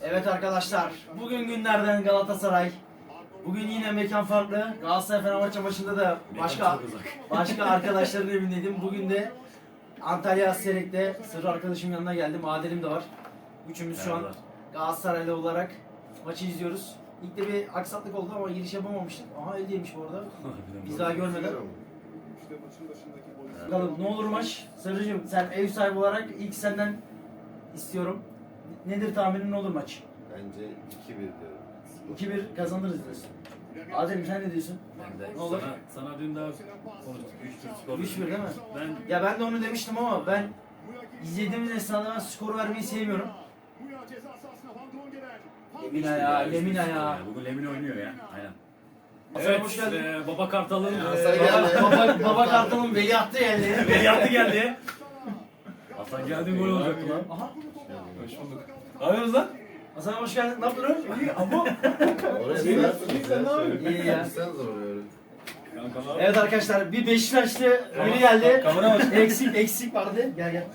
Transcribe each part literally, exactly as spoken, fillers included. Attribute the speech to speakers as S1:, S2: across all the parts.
S1: Evet arkadaşlar, bugün günlerden Galatasaray. Bugün yine mekan farklı. Galatasaray Fenerbahçe maçında da başka başka arkadaşların evindeydim. Bugün de Antalya Aserek'te sırrı arkadaşımın yanına geldim. Adil'im de var. Üçümüz şu an Galatasaraylı olarak maçı izliyoruz. İlk de bir aksaklık oldu ama giriş yapamamıştık. Aha öyleymiş bu arada. Biz daha görmeden. Bakalım ne olur maç. Sırrıcığım sen ev sahibi olarak ilk senden istiyorum. Nedir tahminin, ne olur maç?
S2: Bence iki bir diyorum.
S1: iki bir kazanırız diyorsun. Adem sen ne diyorsun?
S3: Ben de
S1: Ne olur?
S3: Sana, sana dün daha konuştuk. üç bir skor.
S1: üç bir değil mi?
S3: Ben
S1: Ya ben de onu demiştim ama ben izlediğimiz esnada ben skoru vermeyi sevmiyorum. Lemina ya, Lemina ya.
S3: Bugün Lemina oynuyor ya. Aynen.
S1: Hasan
S3: Evet,
S1: hoş geldin.
S3: e, Baba Kartal'ın
S2: Hasan
S3: e,
S2: geldi.
S1: Baba, baba, baba Kartal'ın veliahtı geldi.
S3: veliahtı geldi. Hasan geldi, gol olacaktı lan.
S1: Aha.
S3: Hoş bulduk. Ne yapıyorsunuz lan?
S1: Hasan hoş geldin. Ne yapıyorsun? İyi ama.
S2: Oraya
S1: İyi,
S2: sarsınız
S1: sen ne yapıyorsun? İyi ya.
S2: Sen zor oraya.
S1: Evet arkadaşlar, bir Beşiktaşlı biri geldi.
S3: Kamera bak.
S1: Eksik eksik vardı. Gel gel.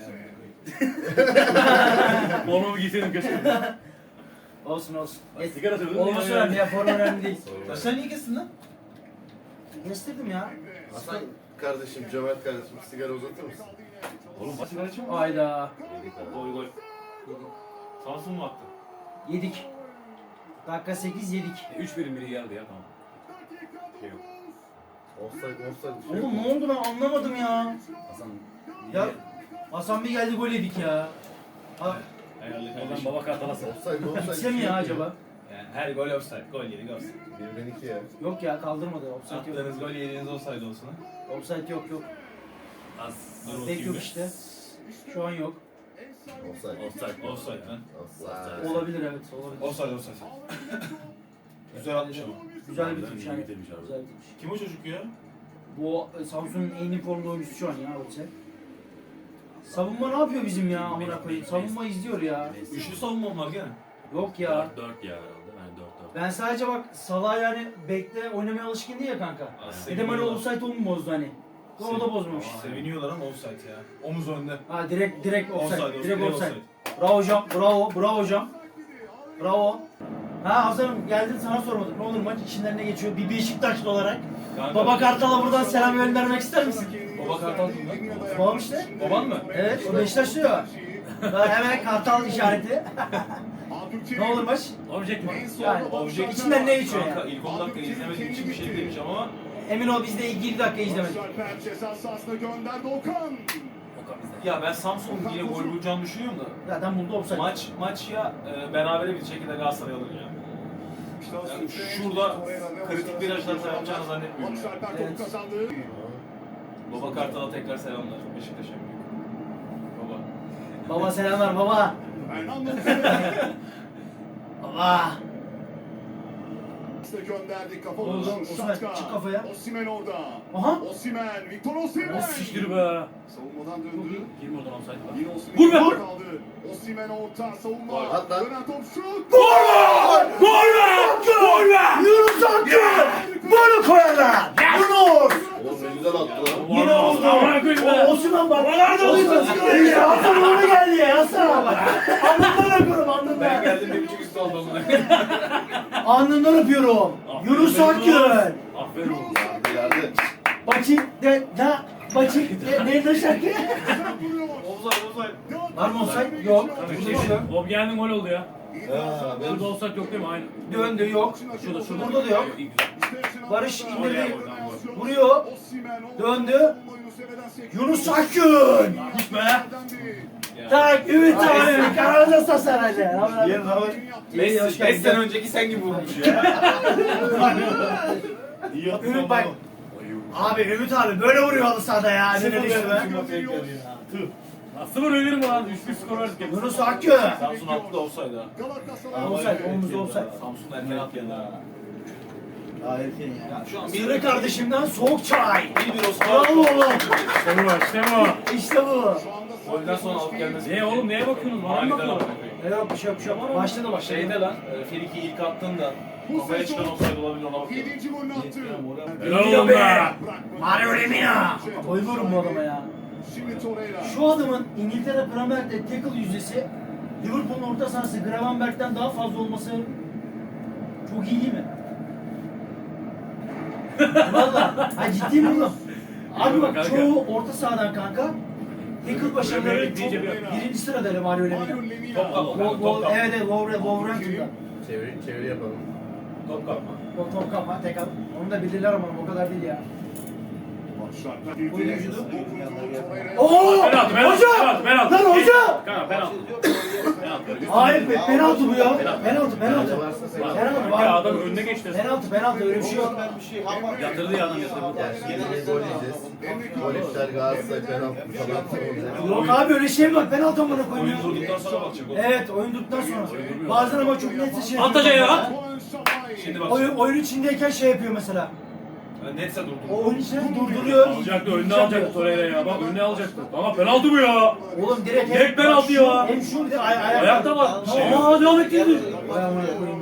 S3: Formumu giyseydin keşke.
S1: Olsun olsun.
S3: Bak, sigara söylüyorum.
S1: Olması önemli ya, form önemli değil.
S3: Sen niye kestin lan?
S1: Kestirdim ya.
S2: Hasan kardeşim, cömert kardeşim, sigara uzatır mısın?
S3: Oğlum bak sigara içme.
S1: Ayda.
S2: Yedik abi.
S3: Gol gol. Samsun mu attı?
S1: Yedik. Dakika sekiz yedik.
S3: üç birin biri geldi ya, tamam. Şey yok.
S2: Offside, offside bir şey
S1: Oğlum
S2: yok.
S1: ne oldu ben anlamadım ya.
S3: Hasan.
S1: Ya Hasan bir geldi gol yedik ya. Ha,
S3: Hayırlı kardeşim. Baba Kartal'a sor.
S2: Offside, offside.
S1: gitse mi ya acaba?
S4: Yani her gol offside, gol yedik offside.
S2: Birden iki ya.
S1: Yok ya, kaldırmadı. Offside yok.
S4: Attığınız gol yediğiniz offside olsun ha.
S1: Offside yok yok.
S3: Az.
S4: Dur
S1: Pek
S4: bakayım
S1: yok
S4: bir.
S1: işte. Şu an yok.
S2: Offside.
S3: Offside.
S4: Offside lan.
S2: Offside.
S1: Olabilir, evet olabilir.
S4: Offside offside. Güzel atmış ama.
S1: Güzel bitirmiş yani.
S3: Bitirmiş abi.
S1: Güzel bitirmiş.
S4: Kim o çocuk ya?
S1: Bu e, Samsun'un en iyi formda oyuncusu şu an ya Ötse. Savunma ne yapıyor bizim ya amına koyayım? Savunma izliyor ya.
S4: Üçlü savunmam var gene.
S1: Yok ya.
S3: dört dört ya herhalde. Yani dört dört.
S1: Ben sadece bak Salah yani bekle oynamaya alışkın değil ya kanka. Bir de böyle offside onu mu bozdu hani? O da bozmamış.
S4: Seviniyorlar ama offside ya. Omuz önde.
S1: Ha direkt direkt offside.
S4: Offside,
S1: Direkt
S4: offside.
S1: offside. Bravo hocam. Bravo. Bravo hocam. Bravo. Ha Hasan'ım geldin, sana sormadık. Ne olur maç içinden ne geçiyor? Bir Beşiktaşlı olarak.
S4: Kanka,
S1: Baba Kartal'a buradan selam göndermek ister misin?
S4: Baba Kartal kim lan?
S1: Babam işte.
S4: Baban mı?
S1: Evet, o Beşiktaşlı ya. Daha hemen Kartal işareti. Ne olur maç?
S3: Objekt mi?
S1: Yani
S4: Objektif
S1: içinden ne geçiyor
S4: Kanka
S1: yani?
S4: ilk on dakika izlemediğim için bir şey demeyeceğim ama
S1: Emin ol biz de ilk yedi dakika izlemedik.
S5: Ceza sahasına gönderdi Okan.
S4: ya ben Samsun'un yine gol bulacağını düşünüyorum da
S1: Zaten buldu offside.
S4: maç maç ya e, berabere bir şekilde Galatasaray alır ya. Yani şurada kritik virajlar yapacağını zannetmiyorum.
S5: Barış
S4: ya.
S5: Alper
S1: Evet.
S5: topu kazandı.
S4: Baba Kartal'a tekrar selamlar. Beşiktaş'a büyük. Baba.
S1: Baba selamlar baba.
S5: Fernando
S1: Baba.
S5: gönderdi kafa
S1: Oğlum,
S5: vuruşu.
S1: Osimhen,
S5: Şatka.
S1: çık kafaya.
S5: Osimhen orada.
S1: Aha.
S5: Osimhen, Victor Osimhen.
S3: Nasıl siktir be?
S5: Savunmadan döndü.
S3: Girme oradan offside var.
S5: Yine Osimhen
S3: Vur be!
S5: kaldı. Osimhen orta savunma.
S2: Gol, at lan.
S5: Dönen top şut.
S3: Gol be! Gol be!
S1: Yunus Akgün. Bunu koyarlar. Yunus.
S2: Oğlum ne güzel attı lan.
S1: Yine oldu.
S3: Amına koyayım be!
S1: O Osman bak.
S3: Nerede
S1: Osman
S3: oluyorsun?
S1: Ya Hasan onu geldi ya Hasan. Alnından öpüyorum
S4: Ben
S1: alnından.
S4: geldim bir buçuk üstü oldum.
S1: Alnından öpüyorum. Yunus Akgün.
S3: Aferin oğlum.
S2: Yardı yardı.
S1: Bacı de da bacı de nerede şarkı?
S4: Offside offside.
S1: Var mı offside? Yok. Burada bir şey yok.
S3: Bob geldi, gol oldu ya.
S2: Ha, ben
S3: Burada offside yok değil mi? Aynı.
S1: Döndü yok.
S3: Şurada şurada.
S1: Burada da yok.
S3: İyi, güzel.
S1: Barış indirdi.
S3: Gol.
S1: Vuruyor. Döndü. Yunus Akgün.
S3: Git be!
S1: Tak Ümit abi. Kanalda sasaracı.
S4: Yarın hava
S1: İyi, hoş
S4: beş
S1: geldin.
S4: sene önceki sen gibi vurmuş ya. İyi attın
S1: Ümit
S4: ama.
S1: bak. Abi Ümit abi böyle vuruyor halı sahada ya. Ne dedik be?
S3: Nasıl vurabilir mi lan? üç bir skor verdik.
S1: Yunus Akgün.
S4: Samsun attı da offside ha.
S1: Offside, omuzda offside.
S4: Samsun erken attı ya.
S1: Ya
S4: şu an
S1: Sırrı kardeşimden soğuk çay.
S4: Bir bir Osman.
S1: Bravo oğlum.
S3: İşte bu, işte bu.
S1: İşte bu.
S4: Golden sonra alıp gelmesi.
S3: Ne oğlum, neye bakıyorsunuz? Bana mı
S4: Manidar
S3: bakıyorsun?
S4: amına koyayım.
S1: Ne yok bir şey yok bir şey yok. Başladı başladı.
S4: Şeyde lan, e, Friki ilk attığında kafaya çıkan offside olabilir, ona bakıyorum.
S5: yedinci golünü attı.
S3: Helal olsun be!
S1: Mario Lemina. Bayılıyorum bu adama ya.
S5: Şimdi Torreira.
S1: Şu adamın İngiltere Premier Lig'de tackle yüzdesi Liverpool'un orta sahası Gravenberg'den daha fazla olması çok iyi değil mi? Valla. Ha ciddiyim oğlum. Abi bak
S3: Kanka.
S1: çoğu orta sahadan kanka. Tackle başarıları
S3: Premier
S1: çok
S3: Lig deyince
S1: birinci sırada Mario Lemina.
S5: Mario Lemina.
S4: Top kapma.
S1: Wo-
S4: Top
S1: wo-
S4: kapma.
S1: Evet evet Wolver- Wolverhampton'da.
S2: Çeviri, çeviri yapalım.
S4: Top kapma.
S1: Top top kapma tek al. Onu da bilirler ama o kadar değil ya.
S5: Başlarda
S1: Oyuncudu.
S5: girdi. Dokundu Torreira.
S1: Oo!
S3: Penaltı, penaltı,
S1: Hoca!
S3: penaltı, penaltı.
S1: Lan hoca!
S3: Kanka penaltı. Penaltı.
S1: Hayır be, penaltı bu ya. Penaltı, penaltı.
S2: Penaltı.
S1: Penaltı
S3: Ya
S1: var.
S3: adam önüne geçti.
S1: Penaltı, penaltı öyle bir şey yok.
S3: Yatırdı ya adam yatırdı.
S2: Yani şimdi gol yiyeceğiz. Gol iptal Galatasaray penaltı falan olacak.
S1: Yok abi öyle şey mi var? Penaltı amına koyayım
S4: Oyun
S1: ya.
S4: durduktan sonra bakacak o.
S1: Evet, oyun durduktan sonra. Bazen ama çok net şey
S3: At hocayı ya, at.
S4: Şimdi bak.
S1: Oyun, oyun içindeyken şey yapıyor mesela.
S4: Yani netse durdu.
S1: O oyun içinde durduruyor.
S3: Alacaktı, önüne alacaktı Torreira ya. Bak önüne alacaktı. Ama penaltı bu ya.
S1: Oğlum direkt
S3: Direkt penaltı ya.
S1: Hem şu bir de ay ayak.
S3: Ayakta var.
S1: Şey
S3: Aa devam ettirdi.
S1: Vay amına koyayım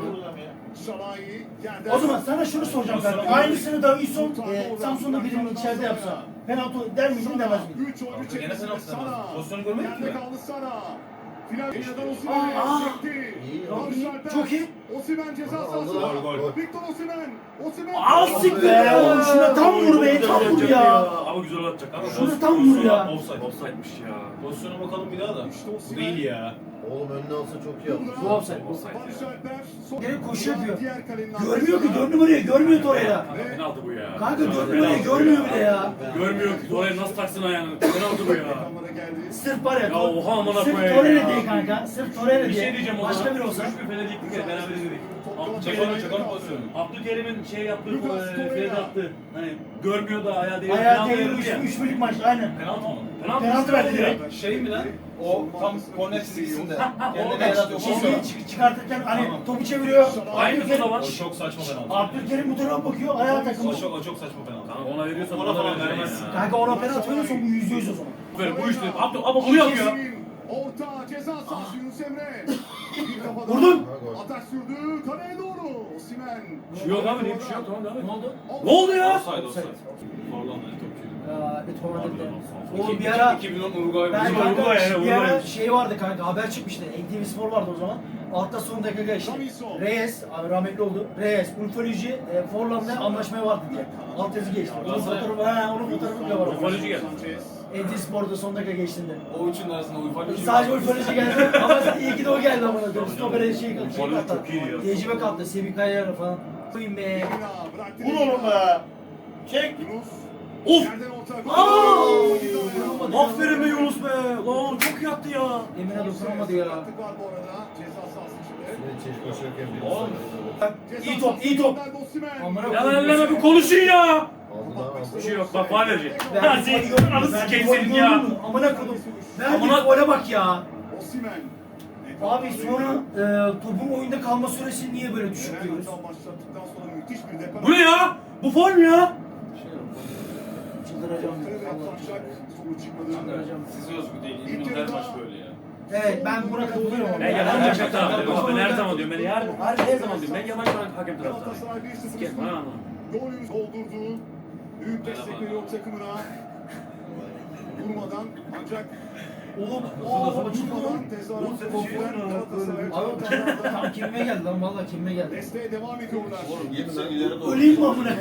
S1: ya. O zaman sana şunu soracağım kanka. Aynısını Davinson e, Samsun'da birinin içeride yapsa. Penaltı der miydin demez miydin?
S5: üç oyuncu
S4: Gene
S5: çekmesine
S4: penaltı demez.
S5: Sara.
S4: Pozisyonu görmedik
S5: Yerde
S4: mi?
S5: kaldı Sara. Final Osimhen'den
S1: Aa,
S5: Osimhen'e çekti.
S2: İyi ya.
S5: Barış Alper.
S1: Çok iyi.
S5: Osimhen ceza
S2: Gol,
S5: sahasında.
S4: gol, gol.
S5: Victor Osimhen. Osimhen.
S1: Aa siktir ya oğlum şuna tam vur be tam vur ya.
S3: Ama güzel atacak. Ama
S1: Şurada tam vur ya.
S4: Offside.
S3: Offside'miş ya.
S4: Pozisyona bakalım bir daha da.
S5: İşte
S4: Bu
S5: Osimhen.
S4: değil ya.
S2: Oğlum önüne alsa çok iyi yapmış.
S1: Bu offside.
S5: Barış Alper. Son-
S1: Direkt koşu yapıyor.
S5: Diğer kalenin
S1: Görmüyor ki
S5: arkasında.
S1: dört numarayı görmüyor Torreira.
S3: Kanka penaltı bu ya.
S1: Kanka dört
S3: Penaltı.
S1: numarayı görmüyor bile ya.
S3: Görmüyor ki Torreira nasıl taksın ayağını. Penaltı bu ya.
S5: Ekranlara geldi.
S1: Sırf var ya.
S3: Ya oha amına
S1: Sırf
S3: koyayım
S1: Torreira
S3: ya.
S1: diye kanka. Sırf Torreira
S3: Bir
S1: diye.
S3: şey diyeceğim o zaman.
S1: Başka biri olsa.
S3: Üç bir Fener'liktik ya beraber izledik.
S4: Çakalım çakalım pozisyonu.
S3: Abdülkerim'in şey yaptığı, e, Feride attı. Hani görmüyor da ayağı değil.
S1: Ayağı değil üç, üç birlik maç aynen.
S4: Penaltı mı?
S3: Penaltı,
S1: Penaltı verdi direkt.
S4: Şey mi lan? O tam korner çizgisinde. Kendine
S1: Evet,
S4: yaratıyor.
S1: çizgiyi çık- çıkartırken hani topu çeviriyor.
S3: Aynı bu
S1: Abdülkerim,
S3: zaman.
S4: O çok saçma penaltı.
S1: Abdülkerim bu tarafa bakıyor ayağa
S4: O
S1: takılmış.
S4: çok, o çok saçma penaltı.
S3: Kanka ona veriyorsan
S4: Ona
S3: bana
S4: falan
S3: vermezsin
S4: vermezsin.
S3: ya.
S1: Kanka ona penaltı veriyorsan bu yüzde yüz o zaman.
S3: Ver bu işte. Abdü ama bunu yapıyor.
S5: Orta ceza sahası Yunus Emre. Bir kafadan
S1: Vurdun.
S5: Atak sürdü. Kaleye doğru. Osimhen.
S3: Bir şey yok abi, ne bir şey yok. Tamam devam et.
S1: Ne oldu?
S3: Ne oldu ya?
S4: Offside, offside. Forlandı topçuydu.
S1: Ya bir tornado dedi. Oğlum
S4: İki-
S1: bir ara
S4: iki bin on Uruguay.
S1: ben
S3: Bizim
S1: kanka
S3: Uruguay yani,
S1: bir ara
S3: Uruguay.
S1: şey vardı kanka haber çıkmıştı. N T V Spor vardı o zaman. Altta son dakika geçti. Reyes, abi rahmetli oldu. Reyes, Ulfoloji, e, Forlan'la anlaşmaya vardı diye. Alt yazı geçti. Onun fotoğrafı, ha, onun fotoğrafı bile var.
S3: Ufoloji geldi.
S1: N T V Spor'da son dakika geçtiğinde.
S4: O üçün arasında Uruguay.
S1: Sadece Ulfoloji geldi ama iyi ki de o geldi ama. Stoper'e şey şey
S3: Ulfoloji
S1: kattı.
S3: çok iyi ya.
S1: Tecrübe kattı. Semih Kaya'yla falan. Koyayım be.
S5: Vur oğlum be. Çek. Yunus.
S3: Of!
S5: Yerden orta.
S1: Aa!
S3: Aferin be Yunus be. Lan çok iyi attı ya.
S1: Emine dokunamadı ya.
S5: Sakatlık var bu arada. Ceza sahası içinde.
S2: Şimdi çeşit koşarken bir
S3: Oğlum.
S5: Ceza
S1: İyi top, iyi top.
S5: sahasında Osimhen.
S1: Amına
S3: Ya
S1: koyayım.
S3: elleme bir konuşun ya.
S2: aldı lan
S3: Bir
S2: aldı.
S3: şey yok bak faal verecek.
S1: Ben
S3: Ha
S1: bir
S3: senin
S1: gol gördüm.
S3: anı
S1: Ben
S3: sikeyim
S1: bir gol
S3: senin ya.
S1: gördüm. Amına koydum. Ben
S3: Amına-
S1: bir gole bak ya.
S5: Osimhen.
S1: Abi sonra e, topun oyunda kalma süresi niye böyle düşük
S5: Eren
S1: diyoruz?
S5: hata başlattıktan sonra müthiş bir defa.
S3: Bu ne ya? Bu faul mü ya?
S1: Çıldıracağım.
S5: Evet,
S1: Allah
S5: Başak sonuç çıkmadı.
S1: Çıldıracağım.
S4: Size özgü değil. İlmin her maç böyle ya.
S1: Evet ben buna katılıyorum. ama.
S3: Ben yabancı hakem taraftarıyım. Ben her zaman diyorum. Ben her, her, her zaman diyorum. Ben yabancı hakem taraftarıyım.
S5: Galatasaray bir sıfır
S3: Siket bana anlamı.
S5: golünü doldurdu. Büyük destek veriyor takımına. Vurmadan ancak
S1: Oğlum
S5: o
S1: o
S5: vurmadan
S1: açıldı.
S5: tezahürat
S3: şey
S5: kopulan Galatasaray
S1: Abi tam, tam kimime geldi lan valla kimime geldi.
S5: desteğe devam ediyorlar.
S1: Öleyim mi amına?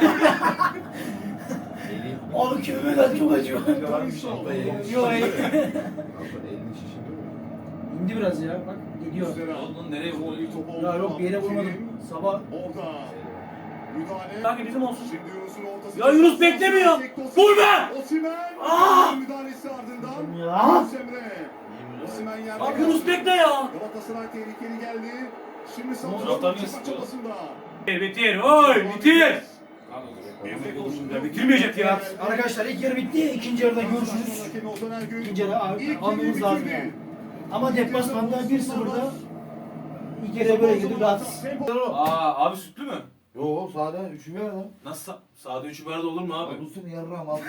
S1: Abi kimime geldi çok acıyor.
S5: Davinson.
S1: Yok hayır.
S2: Elini şişirdi mi?
S1: İndi biraz ya bak gidiyor.
S4: Oğlum nereye vurdu?
S5: Bir top oldu.
S1: Ya yok bir yere vurmadım. Sabah
S5: Orada. Müdahale.
S3: Sanki bizim olsun.
S5: Şimdi Yunus'un ortası.
S3: Ya Yunus beklemiyor. Vur be!
S5: Osimhen.
S3: Aa!
S5: Müdahalesi ardından.
S1: Ya!
S5: Yunus Emre. Osimhen yerde.
S3: Bak Yunus bekle ya.
S5: Galatasaray tehlikeli geldi. Şimdi
S4: Taraftar
S5: Samsun'un
S4: niye
S5: çıkma
S4: sıkıyor?
S5: çabasında.
S3: Bitir. Oy bitir. Ya bitirmeyecek ya.
S1: arkadaşlar ilk yarı bitti. İkinci yarıda görüşürüz.
S5: Hakemi Ozan Ergün.
S1: İkinci yarı al-
S5: İlk
S1: almamız
S5: yarıyı
S1: lazım
S5: bitirdi.
S1: yani. Ama deplasmanda bir sıfırda ilk yarıya böyle girdik rahatız.
S4: Aa abi sütlü mü?
S2: Yo sade üçü ver lan.
S4: Nasıl? sa- Sade üçü barda olur mu abi?
S2: Bulsun yarram al.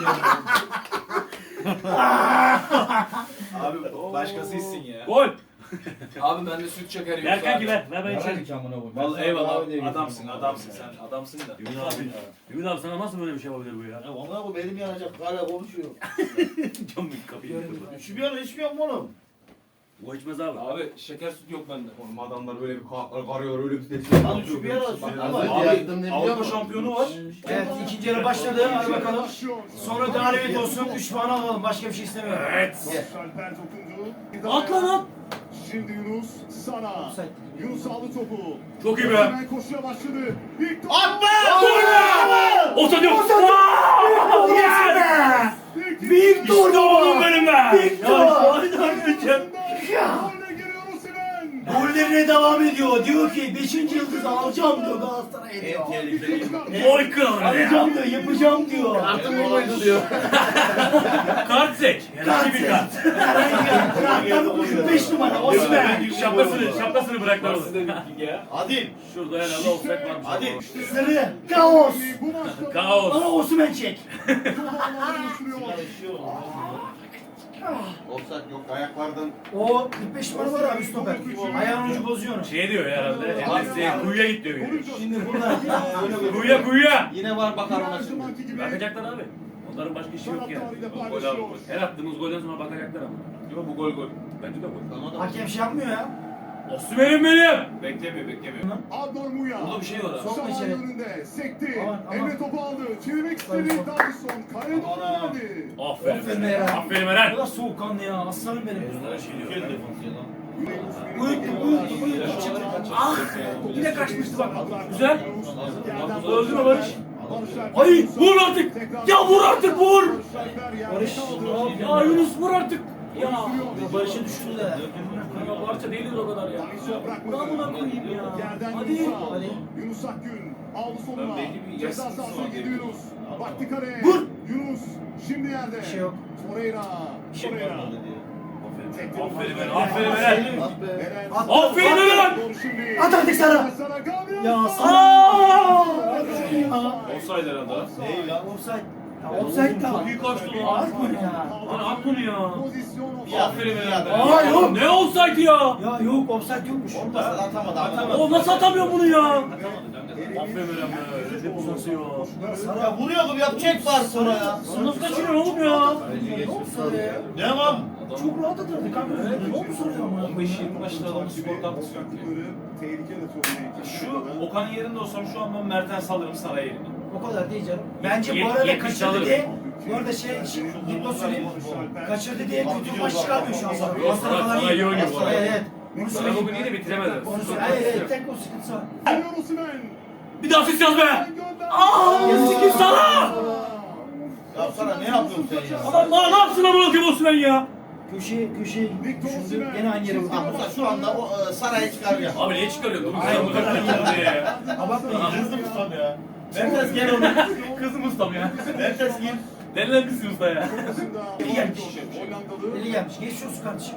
S4: Abi başkası içsin ya.
S3: Gol.
S4: Abi bende süt şekeri yok.
S3: Ver kanki
S4: abi.
S3: ver. Ver ben içerim.
S2: Hadi kamına vur.
S4: Vallahi eyvallah adamsın adamsın sen adamsın da.
S3: Ümit abi. Ümit abi sana nasıl böyle bir şey yapabilir bu ya?
S2: Ya ona bu benim yanacak hala konuşuyor.
S3: Cam bir kapıyı yıkıldı.
S2: İçmiyor mu içmiyor mu oğlum?
S3: O içmez abi.
S4: Abi şeker süt yok bende. Oğlum adamlar böyle bir ka- karıyor öyle bir de.
S2: Lan şu bir ara su
S4: Abi,
S2: ama yaktım ne biliyor
S4: Avrupa
S2: musun?
S4: şampiyonu var.
S1: Evet ikinci yarı başladı. Hadi bakalım. Sonra galibiyet olsun. üç puan alalım. Başka bir şey istemiyorum.
S3: Evet.
S5: Alper dokundu.
S3: At lan at.
S5: Şimdi Yunus sana.
S1: Offside.
S5: Yunus aldı topu.
S3: Çok iyi be.
S5: Hemen koşuya başladı. İlk top.
S2: At be!
S3: Orta diyor.
S5: Victor!
S3: İşte oğlum benim be.
S1: Victor!
S5: Golle giriyor Osimhen.
S1: Gollerine devam ediyor. Diyor ki beşinci yıldızı alacağım diyor Galatasaray'a diyor.
S3: Oy kral.
S1: Alacağım diyor, yapacağım diyor.
S2: Artık olmaydı diyor.
S3: Kart seç. Herhangi bir kart.
S1: Tabii beş numara Osman.
S3: Şapkasını, şapkasını bıraklar
S4: Nasıl
S3: orada.
S4: dedik ki ya?
S2: Hadi.
S3: Şurada herhalde offset varmış.
S2: Hadi.
S1: Sarı, kaos.
S5: Bu maçta
S3: Kaos.
S1: Bana Osman çek.
S2: Offside yok ayaklardan.
S1: O kırk beş numara var abi stoper. Ayağın ucu bozuyor onu.
S3: Şey diyor herhalde. Endes'e kuyuya git diyor.
S1: Şimdi burada
S3: Kuyuya kuyuya.
S2: Yine var bakar ona
S5: Her
S2: şimdi.
S5: zamanki gibi
S3: Bakacaklar abi. Onların başka işi yok yani.
S5: taraftarıyla
S4: Gol abi,
S5: paylaşıyor.
S4: gol.
S3: Her attığımız golden sonra bakacaklar ama.
S4: Yok bu gol gol.
S3: Bence de gol.
S2: Sana da
S1: hakem şey yapmıyor ya.
S3: Osman'ım benim.
S4: Beklemiyor beklemiyor.
S5: Adnor Muya.
S4: Burada bir şey var abi.
S1: Sokma
S5: Sağ
S1: içeri.
S5: önünde sekti.
S1: Aman, aman.
S5: Emre topu aldı. Çevirmek istedi.
S1: Aman.
S5: Davison. Kaleye doğru
S2: Aman.
S5: geldi.
S3: Aferin.
S1: Aferin Eren.
S3: Aferin
S1: O
S3: Eren.
S1: da soğukkanlı ya. Aslanım benim.
S3: Bunlara şey diyor.
S1: Uyuttu, uyuttu, uyuttu. Çıktı. Ah! Yine kaçmıştı bak.
S3: Güzel. Öldü mü Barış?
S1: Ay,
S3: vur artık. Ya vur artık, vur.
S1: Barış.
S3: Ya Yunus vur artık. Ya.
S1: Ya Barış'ı düşürdü de.
S3: Ya parça değiliz o kadar ya.
S5: Buna
S3: buna koyayım ya.
S5: Yerden
S3: Hadi.
S5: Yunus.
S1: Hadi.
S5: Yunus Akgün aldı soluna.
S4: Ben belli bir
S5: Ceza
S4: yaş
S5: sahasına
S4: sınırı var
S5: gidiyor
S4: diye.
S5: Yunus. Baktı kaleye.
S1: Vur.
S5: Yunus şimdi yerde.
S1: Bir şey yok.
S5: Torreira. Torreira.
S3: Aferin Eren. Aferin Eren.
S2: At be.
S5: Eren.
S1: At.
S3: Aferin Eren.
S5: Doğru şimdi.
S1: At artık sana.
S5: Sana Gabriel.
S1: Ya
S3: Aa!
S1: sana.
S4: Offside herhalde.
S2: Değil lan.
S1: Offside. Ya offside da.
S3: Çok iyi kaçtı lan.
S1: At bunu ya.
S3: Lan at bunu ya.
S5: Pozisyon
S4: Aferin Eren be.
S1: Aa yok.
S3: Ne olsaydı ya?
S1: Ya yok offside yokmuş.
S2: Olmasa da atamadı. Atamadı.
S3: O nasıl atamıyor bunu ya? Aferin Eren be. Recep uzası ya.
S2: Ya vuruyordum yapacak var sonra ya.
S3: Nasıl kaçırıyor oğlum ya?
S2: Bence geçmiş
S1: Sarı ya.
S2: Devam.
S1: Çok rahat atırdı kanka. Ne oldu sonra ya?
S4: on beş yirmi maçta adamın spor katkısı yok ki.
S5: Tehlike de çok.
S4: Şu Okan'ın yerinde olsam şu an ben Mertens alırım Saray yerine.
S1: O kadar değil canım. Bence bu
S3: Yet-
S1: arada
S3: yetmiş
S1: kaçırdı
S3: alırım.
S1: diye bu arada şey, şey Gitmo söyleyeyim. Kaçırdı diye kötü maç çıkarmıyor şu an sana.
S3: Yok,
S1: Aslan falan
S3: Saray iyi oynuyor bu arada.
S1: Evet, evet. Bunu
S3: Sana
S1: söyleyeyim.
S3: bugün yine bitiremedi.
S1: Onu söyle. Hayır, hayır, tek o sıkıntısı var.
S5: Geliyor Osimhen.
S3: Bir daha asist yaz be!
S5: Aa!
S3: Yazık sana!
S2: Ya sana ne yapıyorsun sen ya?
S3: Adam daha ne yapsın amına koyayım Osman ya?
S1: Köşeye, köşeye düşündü. Gene aynı yere vurdu.
S2: Hamza şu anda o e, saraya çıkarıyor.
S3: Abi niye çıkarıyor? Dur
S1: Ay,
S3: sen
S1: bu
S3: bu
S1: kadar
S3: kadar ya.
S1: Abartmayın.
S2: Kızdım ustam ya. Merkez gel oğlum.
S3: Kızım ustam ya.
S2: Merkez gel.
S3: Denilen kızım usta ya.
S1: Eli gelmiş.
S5: Hollandalı.
S1: Eli gelmiş. Geçiyorsun kardeşim.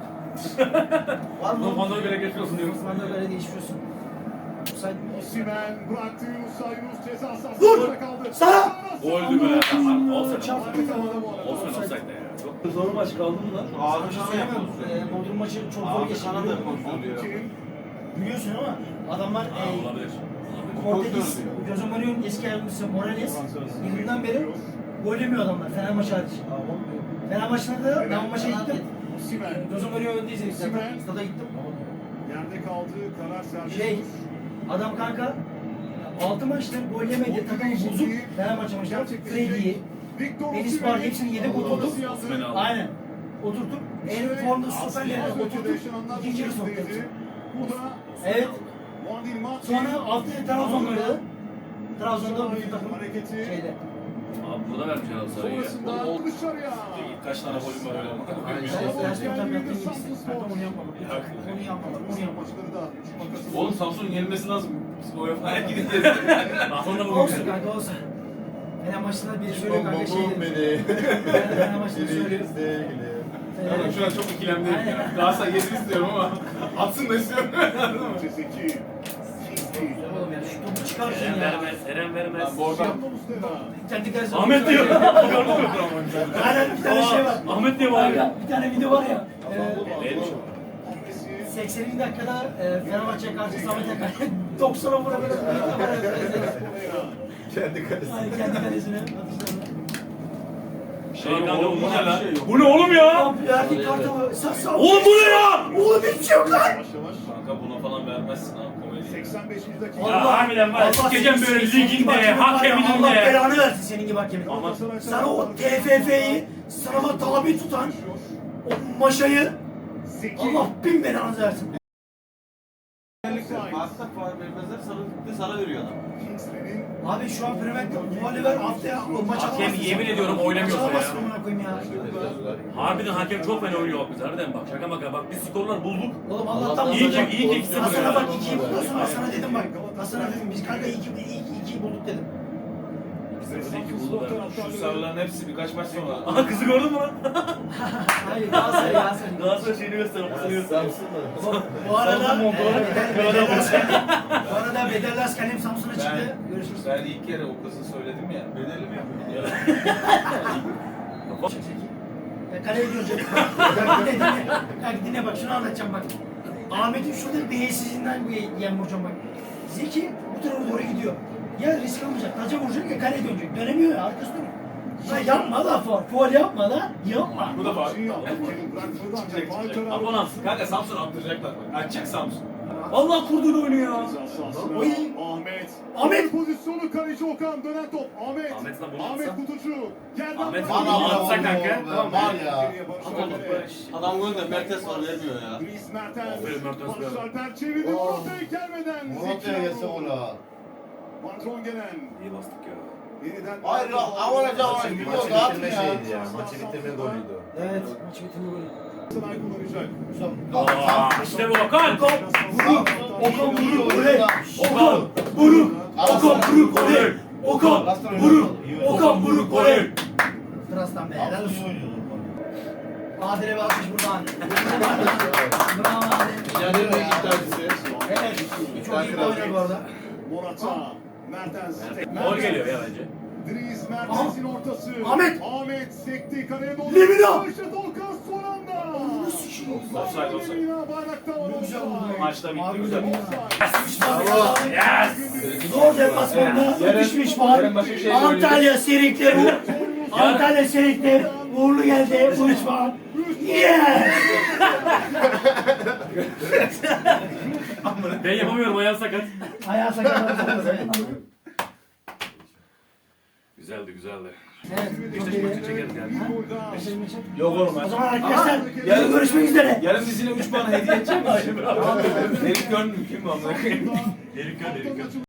S2: Var mı?
S3: Normalde göre geçiyorsun diyoruz.
S1: Osman'da böyle geçiyorsun. Offside mi?
S5: Osimhen bıraktı Yunus'a. Yunus ceza
S1: Vur!
S5: sahasında kaldı.
S1: Sana!
S3: Goldü be. Olsa
S1: Çarptı ya.
S3: Olsa offside de ya. Çok
S4: Zor maç kaldı mı lan?
S1: Sana bir şey söyleyemem. Ee, Bodrum maçı çok zor geçti.
S5: Kim?
S1: Biliyorsun ama adamlar
S3: Ha,
S1: e,
S3: olabilir.
S1: Portekiz, Jose Mourinho'nun eski yardımcısı Morales yılından beri gol yemiyor adamlar Fenerbahçe hariç. Fenerbahçe'de de ben o maça gittim.
S5: Osimhen.
S1: Jose Mourinho öndeyiz zaten.
S5: Osimhen.
S1: Stada gittim.
S5: Yerde kaldı. Karar serbest.
S1: Şey, adam kanka altı maçta gol yemedi. Takımı bozuk. Fenerbahçe maçında Freddy'yi,
S5: Victor
S1: Enis
S5: Osimhen.
S1: Bar hepsini yedek oturduk.
S3: Osman'ı aldı.
S1: Aynen. Oturtup en formda stoperlerine oturtup ikinci yarı soktuk.
S5: Bu da
S1: Evet.
S5: Wandil Matip.
S1: Sonra haftaya Trabzon oynadı. Trabzon'da bütün takım
S5: Hareketi.
S1: şeyde.
S3: Abi burada vermiş herhalde sarıyı ya.
S5: Sonrasında dışarıya.
S4: Kaç tane golüm var öyle bak.
S1: Gerçekten tabii yaptığım gibi istedim. Onu yapmadım. Onu yapmadım. Onu yapmadım.
S5: Maçları da üç makası.
S4: Oğlum Samsun'un yenilmesi lazım. Biz o yapmaya gideceğiz.
S3: Aslında bu
S1: Olsun kanka olsun. Fener maçında biri söylüyor kanka şey
S2: Bom
S1: dedi.
S2: beni.
S1: Fener maçında söylüyor.
S2: sevgili.
S4: Yani şu an çok ikilemdeyim ya. Galatasaray yesin istiyorum ama atsın da istiyorum. Anladın mı?
S5: Cezeki.
S1: Oğlum ya şu topu çıkarsın
S3: Eren
S1: ya.
S3: vermez, Eren vermez.
S4: Ben bu arada
S1: Kendi dersi.
S3: Ahmet diyor. Gördün mü?
S1: Aynen bir tane şey var.
S3: Ahmet diyor bari.
S1: Kanka, bir tane video var ya. Ee,
S3: Neymiş
S1: sekseninci dakikada e, Fenerbahçe'ye karşı Samet Akan doksana vura böyle
S2: Kendi kalesi.
S1: yani kendi kalesine atışlarına.
S4: Şey yok oğlum bu ne lan?
S3: Bu ne oğlum ya?
S1: Verdik kartı. Sağ sağ.
S3: Oğlum bu ne ya?
S1: Oğlum hiçbir şey yok lan.
S5: Yavaş yavaş.
S4: Kanka buna falan vermezsin ha komedi.
S5: seksen beşinci dakika.
S3: Ya harbiden var ya, sikeceğim
S1: seni-
S3: böyle
S1: seni
S3: liginde,
S1: gibi hakemin var ya,
S3: hakeminin
S1: Allah
S3: de.
S1: belanı versin senin gibi hakemin.
S3: Ama
S1: Sana o T F F'yi sınava tabi tutan o maşayı Allah bin belanı versin.
S6: Hatta faul vermezler, sarı gitti, sana veriyor adam.
S1: Abi şu an Premier Lig'de faali ver haftaya o maç
S3: Hakem
S1: alamazsın.
S3: yemin ediyorum oynamıyorsa
S1: Maç
S3: ya.
S1: alamazsın amına koyayım ya.
S3: Harbiden hakem çok fena oynuyor bak biz harbiden bak şaka maka bak biz skorlar bulduk.
S1: Oğlum Allah'tan
S3: İyi ki iyi ki ikisi
S1: Hasan'a bak
S3: bu.
S1: ikiyi buluyorsun Hasan'a dedim bak. Hasan'a dedim biz kanka iyi ki iyi ki ikiyi bulduk dedim.
S4: Şu sarıların hepsi birkaç maç sonra.
S3: Aha kızı gördün mü lan?
S1: Hayır Galatasaray Galatasaray.
S3: Galatasaray şeyini göster, basını göster.
S2: Samsun'da.
S1: Bu arada
S3: Samsun montları
S1: Bedel- Bedellas- Bu arada Bedellas kalem Samsun'a çıktı.
S4: Ben,
S1: Görüşürüz.
S4: ben ilk kere o kızı söyledim ya. Bedeli mi yapıyordun?
S1: Ya kaleye gidiyorum. Bak dinle dinle. Bak dinle bak şunu anlatacağım bak. Ahmet'in şurada beyinsizliğinden bu yem vuracağım bak. Zeki bu tarafa doğru gidiyor. Ya risk almayacak, taca vuracak ya kaleye dönecek. Dönemiyor ya arkası dönüyor. Ya yapma da faul. Faul yapma da yapma.
S4: Bu da faul.
S3: Abonam.
S4: Kanka Samsun attıracaklar bak. Açacak Samsun.
S3: Allah kurduğunu oynuyor ya.
S1: Oy.
S5: Ahmet.
S1: Ahmet.
S5: Pozisyonu kaleci Okan dönen top. Ahmet.
S3: Ahmet lan bunu
S5: Ahmet
S3: atsa.
S5: Kutucu. Yerden
S3: Ahmet
S5: bıraktı.
S3: bunu atsa kanka.
S2: Tamam var ya.
S6: Adam golünde Mertes var vermiyor ya.
S5: Dries Mertens.
S3: Aferin Mertens be.
S5: Barış Alper çevirdi.
S2: Oh.
S5: Murat'a gelmeden.
S2: Murat'a gelse ola.
S5: Van Drongelen.
S3: İyi bastık ya.
S5: Yeniden.
S6: Hayır, avaracı avaracı.
S2: Maçı
S6: Biliyor
S2: bitirme
S6: rahat mı ya?
S2: şeyiydi ya. Maçı bitirme golüydü.
S1: Evet, maçı bitirme golü.
S5: Galatasaray kullanacak.
S3: Aa, işte bu Okan.
S1: Vuruk, Okan vuruk oley. Okan vuruk, Okan vuruk oley. Okan vuruk, Okan vuruk oley. Trastan be, helal olsun. Adile bir alkış buradan. Bravo Adile.
S2: Yani ne iddiacısı?
S1: Evet, çok iyi bir oynadı bu arada.
S5: Morata. Mertens.
S3: Gol geliyor ya bence.
S5: Dries Mertens'in ortası.
S1: Ahmet.
S5: Ahmet sekti kaleye doğru.
S1: Lemina.
S5: Başladı Okan son anda.
S1: Nasıl şey?
S4: Offside, offside.
S5: Lemina bayrakta var.
S1: Güzel
S5: offside.
S1: vurdu.
S4: Maçta bitti
S1: Harbi
S4: güzel.
S1: Lemina.
S3: Yes.
S1: Zor deplasmanda
S4: Yarın-
S1: düşmüş var.
S4: yarın Başakşehir'le
S1: Antalya Serikleri. Antalya Serikleri. Uğurlu geldi. Üç puan. Yes!
S3: Ben yapamıyorum ayağım sakat.
S1: Ayağı sakatlandı.
S3: Güzeldi güzeldi.
S1: Evet. Çok
S3: Beşiktaş maçı
S1: iyi.
S3: çekeriz yani.
S1: Ha? Beşiktaş maçı.
S4: Yok oğlum.
S1: O zaman arkadaşlar
S4: yarın-
S1: yarın görüşmek üzere.
S4: Yarın dizine üç puan hediye edeceğim. Herif gördün mü? Kim bu amına koyayım?
S3: Delik gör delik gör.